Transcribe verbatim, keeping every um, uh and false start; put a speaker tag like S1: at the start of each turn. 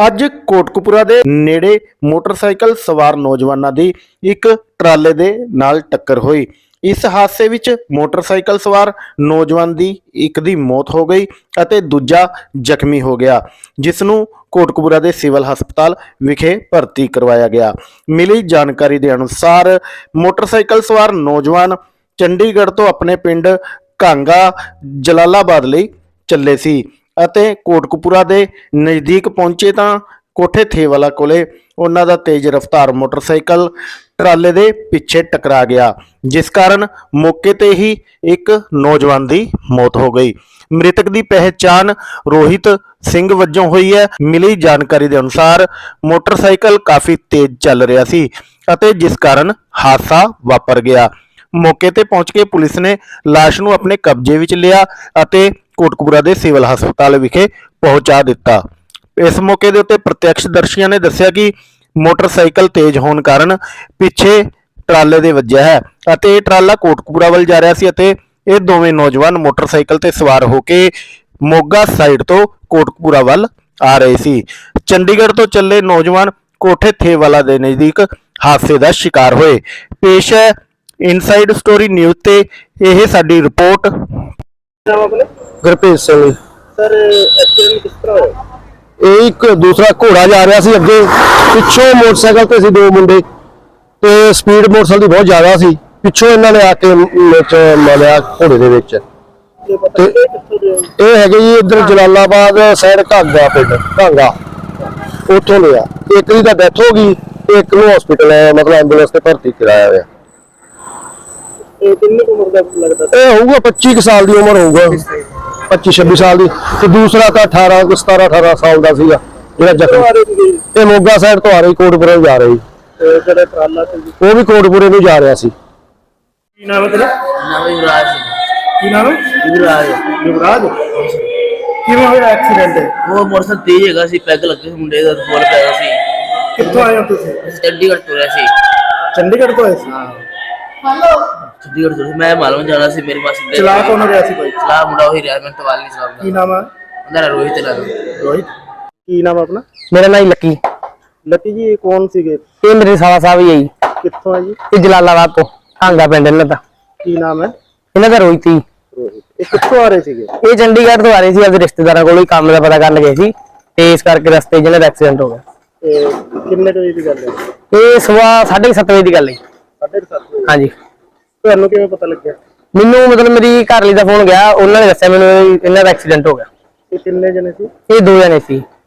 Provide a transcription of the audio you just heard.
S1: ਅੱਜ ਕੋਟਕਪੂਰਾ ਦੇ ਨੇੜੇ ਮੋਟਰਸਾਈਕਲ ਸਵਾਰ ਨੌਜਵਾਨਾਂ ਦੀ ਇੱਕ ਟਰਾਲੇ ਦੇ ਨਾਲ ਟੱਕਰ ਹੋਈ। ਇਸ ਹਾਦਸੇ ਵਿੱਚ ਮੋਟਰਸਾਈਕਲ ਸਵਾਰ ਨੌਜਵਾਨ ਦੀ ਇੱਕ ਦੀ ਮੌਤ ਹੋ ਗਈ ਅਤੇ ਦੂਜਾ ਜ਼ਖਮੀ ਹੋ ਗਿਆ, ਜਿਸ ਨੂੰ ਕੋਟਕਪੂਰਾ ਦੇ ਸਿਵਲ ਹਸਪਤਾਲ ਵਿਖੇ ਭਰਤੀ ਕਰਵਾਇਆ ਗਿਆ। ਮਿਲੀ ਜਾਣਕਾਰੀ ਦੇ ਅਨੁਸਾਰ ਮੋਟਰਸਾਈਕਲ ਸਵਾਰ ਨੌਜਵਾਨ ਚੰਡੀਗੜ੍ਹ ਤੋਂ ਆਪਣੇ ਪਿੰਡ ਕਾਂਗਾ ਜਲਾਲਾਬਾਦ ਲਈ ਚੱਲੇ ਸੀ ਅਤੇ ਕੋਟਕਪੂਰਾ ਦੇ ਨਜ਼ਦੀਕ ਪਹੁੰਚੇ ਤਾਂ ਕੋਠੇ ਥੇਵਾਲਾ ਕੋਲੇ ਉਹਨਾਂ ਦਾ ਤੇਜ਼ ਰਫ਼ਤਾਰ ਮੋਟਰਸਾਈਕਲ ਟਰਾਲੇ ਦੇ ਪਿੱਛੇ ਟਕਰਾ ਗਿਆ, ਜਿਸ ਕਾਰਨ ਮੌਕੇ ਤੇ ਹੀ ਇੱਕ ਨੌਜਵਾਨ ਦੀ ਮੌਤ ਹੋ ਗਈ। ਮ੍ਰਿਤਕ ਦੀ ਪਹਿਚਾਣ ਰੋਹਿਤ ਸਿੰਘ ਵਜੋਂ ਹੋਈ ਹੈ। ਮਿਲੀ ਜਾਣਕਾਰੀ ਦੇ ਅਨੁਸਾਰ ਮੋਟਰਸਾਈਕਲ ਕਾਫੀ ਤੇਜ਼ ਚੱਲ ਰਿਹਾ ਸੀ ਅਤੇ ਜਿਸ ਕਾਰਨ ਹਾਦਸਾ ਵਾਪਰ ਗਿਆ। ਮੌਕੇ ਤੇ ਪਹੁੰਚ ਕੇ ਪੁਲਿਸ ਨੇ ਲਾਸ਼ ਨੂੰ ਆਪਣੇ ਕਬਜ਼ੇ ਵਿੱਚ ਲਿਆ ਅਤੇ ਕੋਟਕਪੂਰਾ ਦੇ ਸਿਵਲ ਹਸਪਤਾਲ ਵਿਖੇ ਪਹੁੰਚਾ ਦਿੱਤਾ। ਇਸ ਮੌਕੇ ਦੇ ਉੱਤੇ ਪ੍ਰਤੱਖਦਰਸ਼ੀਆਂ ਨੇ ਦੱਸਿਆ ਕਿ ਮੋਟਰਸਾਈਕਲ ਤੇਜ਼ ਹੋਣ ਕਾਰਨ ਪਿੱਛੇ ਟਰਾਲੇ ਦੇ ਵੱਜਿਆ ਹੈ ਅਤੇ ਇਹ ਟਰਾਲਾ ਕੋਟਕਪੂਰਾ ਵੱਲ ਜਾ ਰਿਹਾ ਸੀ ਅਤੇ ਇਹ ਦੋਵੇਂ ਨੌਜਵਾਨ ਮੋਟਰਸਾਈਕਲ ਤੇ ਸਵਾਰ ਹੋ ਕੇ ਮੋਗਾ ਸਾਈਡ ਤੋਂ ਕੋਟਕਪੂਰਾ ਵੱਲ ਆ ਰਹੇ ਸੀ। ਚੰਡੀਗੜ੍ਹ ਤੋਂ ਚੱਲੇ ਨੌਜਵਾਨ ਕੋਠੇ ਥੇਵਾਲਾ ਦੇ ਨਜ਼ਦੀਕ ਹਾਦਸੇ ਦਾ ਸ਼ਿਕਾਰ ਹੋਏ। ਪੇਸ਼ ਹੈ ਇਨਸਾਈਡ ਸਟੋਰੀ ਨਿਊਜ਼ ਤੇ ਇਹ ਸਾਡੀ report.
S2: Gurpreet Singh
S1: sir, accident ਕਿਸ ਤਰ੍ਹਾਂ ਹੋਇਆ?
S2: ਇਹ ਇੱਕ ਦੂਸਰਾ ਘੋੜਾ ਜਾ ਰਿਹਾ ਸੀ, ਅੱਗੇ ਪਿੱਛੋਂ ਮੋਟਰਸਾਈਕਲ ਤੇ ਸੀ ਦੋ ਮੁੰਡੇ ਤੇ ਸਪੀਡ ਮੋਟਰਸਾਈਕਲ ਦੀ ਬਹੁਤ ਜ਼ਿਆਦਾ ਸੀ। ਪਿੱਛੋਂ ਇਹਨਾਂ ਨੇ ਆ ਕੇ ਵਿੱਚ ਮਾਰਿਆ ਘੋੜੇ ਦੇ ਵਿੱਚ। ਤੇ ਇਹ ਹੈਗੇ ਜੀ ਇੱਧਰ ਜਲਾਲਾਬਾਦ ਸਾਈਡ ਘਾਂਗਾ ਪਿੰਡ ਘਾਂਗਾ, ਉੱਥੋਂ ਲਿਆ। ਇੱਕ ਦੀ ਤਾਂ ਡੈਥ ਹੋ ਗਈ, ਇੱਕ ਨੂੰ ਹਸਪੀਟਲ ਮਤਲਬ ਐਂਬੂਲੈਂਸ ਤੇ ਭਰਤੀ ਕਰਾਇਆ ਹੋਇਆ।
S1: ਇਹ ਕਿੰਨੀ ਉਮਰ ਦਾ ਲੱਗਦਾ?
S2: ਇਹ ਹੋਊਗਾ ਪੱਚੀ ਕੁ ਸਾਲ ਦੀ ਉਮਰ ਹੋਊਗਾ, ਪੱਚੀ ਛੱਬੀ ਸਾਲ ਦੀ। ਤੇ ਦੂਸਰਾ ਤਾਂ ਅਠਾਰਾਂ ਸਤਾਰਾਂ ਅਠਾਰਾਂ ਸਾਲ ਦਾ ਸੀਗਾ ਜਿਹੜਾ ਜ਼ਖਮੀ। ਇਹ ਮੋਗਾ ਸਾਈਡ ਤੋਂ ਆ ਰਹੀ ਕੋਟਪੁਰੇ ਨੂੰ ਜਾ ਰਹੀ,
S1: ਜਿਹੜਾ ਟਰਾਲਾ ਸੀ
S2: ਉਹ ਵੀ ਕੋਟਪੁਰੇ ਨੂੰ ਜਾ ਰਿਹਾ ਸੀ।
S1: ਕੀ ਨਾਮ ਹੈ ਤੇਰਾ?
S3: ਨਾਮ ਯੁਵਰਾਜ ਸਿੰਘ।
S1: ਕੀ ਨਾਮ ਹੈ?
S3: ਯੁਵਰਾਜ।
S1: ਯੁਵਰਾਜ, ਕਿਵੇਂ ਹੋਇਆ ਐਕਸੀਡੈਂਟ?
S3: ਉਹ ਮੋਟਰਸਾਈਕਲ ਤੇਜ਼ ਹੈਗਾ ਸੀ, ਪੈਗ ਲੱਗੇ ਸੀ ਮੁੰਡੇ ਦਾ, ਫੋਲ ਪਿਆ ਸੀ।
S1: ਕਿੱਥੋਂ ਆਏ ਹੋ ਤੁਸੀਂ?
S3: ਚੰਡੀਗੜ੍ਹ ਤੋਂ ਰਿਹਾ ਸੀ।
S1: ਚੰਡੀਗੜ੍ਹ ਤੋਂ ਆਏ ਸੀ?
S3: ਹਾਂ, ਚੰਡੀਗੜ੍ਹ ਤੋਂ। ਮੈਂ ਮਾਲੂਮ ਜਾਣਾ ਸੀ, ਮੇਰੀ ਮਾਸੀ ਦੇ।
S1: ਚਲਾ ਕੌਣ ਰਿਹਾ ਸੀ ਭਾਈ?
S3: ਚਲਾ ਮੁੰਡਾ ਉਹੀ ਰਿਹਾ, ਮੈਂ ਤਵਾਲ ਨਹੀਂ ਚਲਾਉਂਦਾ।
S1: ਕੀ ਨਾਮ ਹੈ?
S3: ਉਹਦਾ ਰੋਹਿਤ ਨਾਮ।
S1: ਰੋਹਿਤ। ਕੀ ਨਾਮ ਆਪਣਾ?
S2: ਮੇਰਾ ਨਾਮ ਲੱਕੀ।
S1: ਲੱਕੀ ਜੀ, ਇਹ ਕੌਣ ਸੀਗੇ?
S2: ਇਹ ਮੇਰੇ ਸਾਲਾ ਸਾਹਿਬ ਹੀ ਹੈ ਜੀ।
S1: ਕਿੱਥੋਂ ਹੈ ਜੀ?
S2: ਇਹ ਜਲਾਲਾਬਾਦ ਤੋਂ ਕਾਂਗਾ ਪਿੰਡ ਇਹਨਾਂ ਦਾ।
S1: ਕੀ ਨਾਮ ਹੈ?
S2: ਇਹਨਾਂ ਦਾ ਰੋਹਿਤ ਹੀ।
S1: ਰੋਹਿਤ। ਇਹ ਕਿੱਥੋਂ ਆ ਰਹੇ ਸੀਗੇ?
S2: ਇਹ ਚੰਡੀਗੜ੍ਹ ਤੋਂ ਆ ਰਹੇ ਸੀ, ਆਪਣੇ ਰਿਸ਼ਤੇਦਾਰਾਂ ਕੋਲੋਂ ਹੀ ਕੰਮ ਦਾ ਪਤਾ ਕਰਨ ਗਏ ਸੀ ਤੇ ਇਸ ਕਰਕੇ ਰਸਤੇ 'ਚ ਇਹਨਾਂ ਦਾ ਐਕਸੀਡੈਂਟ ਹੋ ਗਿਆ।
S1: ਇਹ ਕਿੰਨੇ ਵਜੇ ਦੀ ਗੱਲ ਹੈ?
S2: ਇਹ ਸਵੇਰ ਸਾਢੇ ਸੱਤ ਵਜੇ ਦੀ ਗੱਲ ਹੈ।
S1: ਸਾਢੇ ਸੱਤ ਵਜੇ।
S2: ਹਾਂਜੀ।
S1: ਤੁਹਾਨੂੰ ਕਿਵੇਂ ਪਤਾ ਲੱਗਿਆ?
S2: ਮੈਨੂੰ ਮਤਲਬ ਮੇਰੀ ਘਰਵਾਲੀ ਦਾ ਫੋਨ ਗਿਆ, ਉਹਨਾਂ ਨੇ ਦੱਸਿਆ ਮੈਨੂੰ ਇਹਨਾਂ ਦਾ ਐਕਸੀਡੈਂਟ ਹੋ ਗਿਆ।
S1: ਇਹ ਕਿੰਨੇ ਜਣੇ ਸੀ?
S2: ਇਹ ਦੋ ਜਣੇ ਸੀ।